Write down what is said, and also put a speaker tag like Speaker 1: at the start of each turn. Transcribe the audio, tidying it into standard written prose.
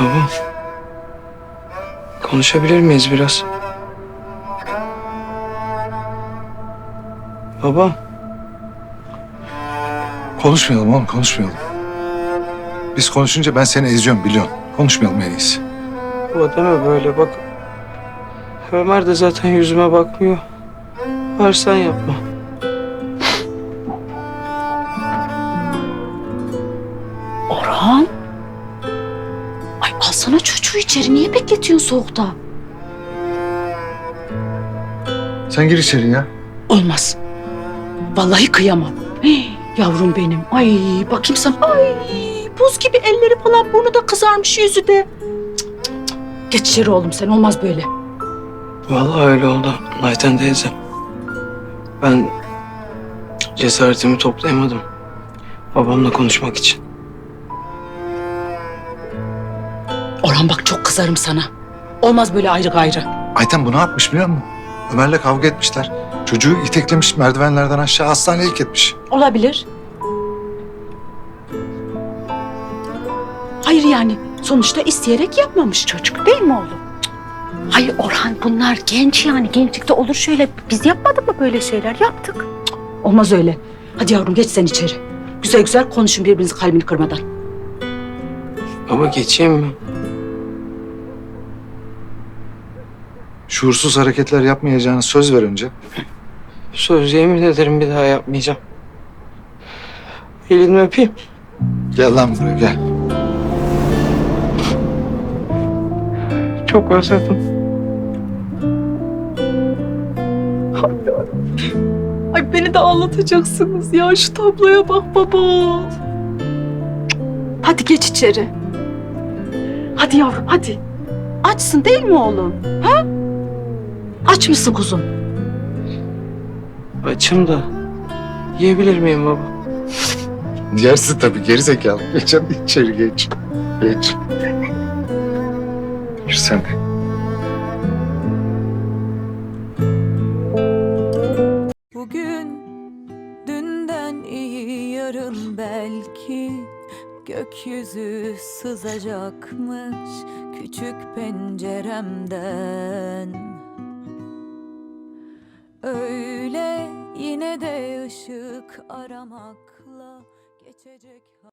Speaker 1: Baba, konuşabilir miyiz biraz? Baba,
Speaker 2: Konuşmayalım oğlum, konuşmayalım. Biz konuşunca ben seni eziyorum biliyorsun. Konuşmayalım en iyisi.
Speaker 1: baba deme böyle bak. Ömer de zaten yüzüme bakmıyor. Var sen yapma.
Speaker 3: Orhan. Ay alsana çocuğu içeri. Niye bekletiyorsun soğukta?
Speaker 2: Sen gir içeri ya.
Speaker 3: Olmaz. Vallahi kıyamam. Hii, yavrum benim. Ay bakayım sana. Ay buz gibi elleri falan, burnu da kızarmış, yüzü de. Cık, cık, cık. Geç içeri oğlum sen, olmaz böyle.
Speaker 1: Vallahi öyle oldu Ayten teyze. Ben cesaretimi toplayamadım. Babamla konuşmak için.
Speaker 3: Orhan bak çok kızarım sana. Olmaz böyle ayrı gayrı.
Speaker 2: Ayten bu ne yapmış biliyor musun? Ömer'le kavga etmişler. Çocuğu iteklemiş, merdivenlerden aşağı hastaneye ilk etmiş.
Speaker 3: Olabilir. Hayır yani sonuçta isteyerek yapmamış çocuk, değil mi oğlum? Hayır Orhan, bunlar genç yani, gençlikte olur şöyle. Biz yapmadık mı böyle şeyler? Yaptık. Olmaz öyle. Hadi yavrum geç sen içeri. Güzel güzel konuşun birbirinizin kalbini kırmadan.
Speaker 1: Baba geçeyim mi?
Speaker 2: Şuursuz hareketler yapmayacağını söz ver önce.
Speaker 1: Söz yemin ederim bir daha yapmayacağım. Elini öpeyim.
Speaker 2: Gel lan buraya gel.
Speaker 1: Çok özledim.
Speaker 3: Ay beni de ağlatacaksınız ya. Şu tabloya bak baba. Hadi geç içeri. Hadi yavrum hadi. Açsın değil mi oğlum? Ha? Aç mısın kuzum?
Speaker 1: Açım da yiyebilir miyim baba?
Speaker 2: Yersin tabii geri zekalı. Geç hadi içeri geç. Geç. Gir sen de.
Speaker 4: Bugün dünden iyi yarın belki gökyüzü sızacakmış küçük penceremden. Öyle yine de ışık aramakla geçecek.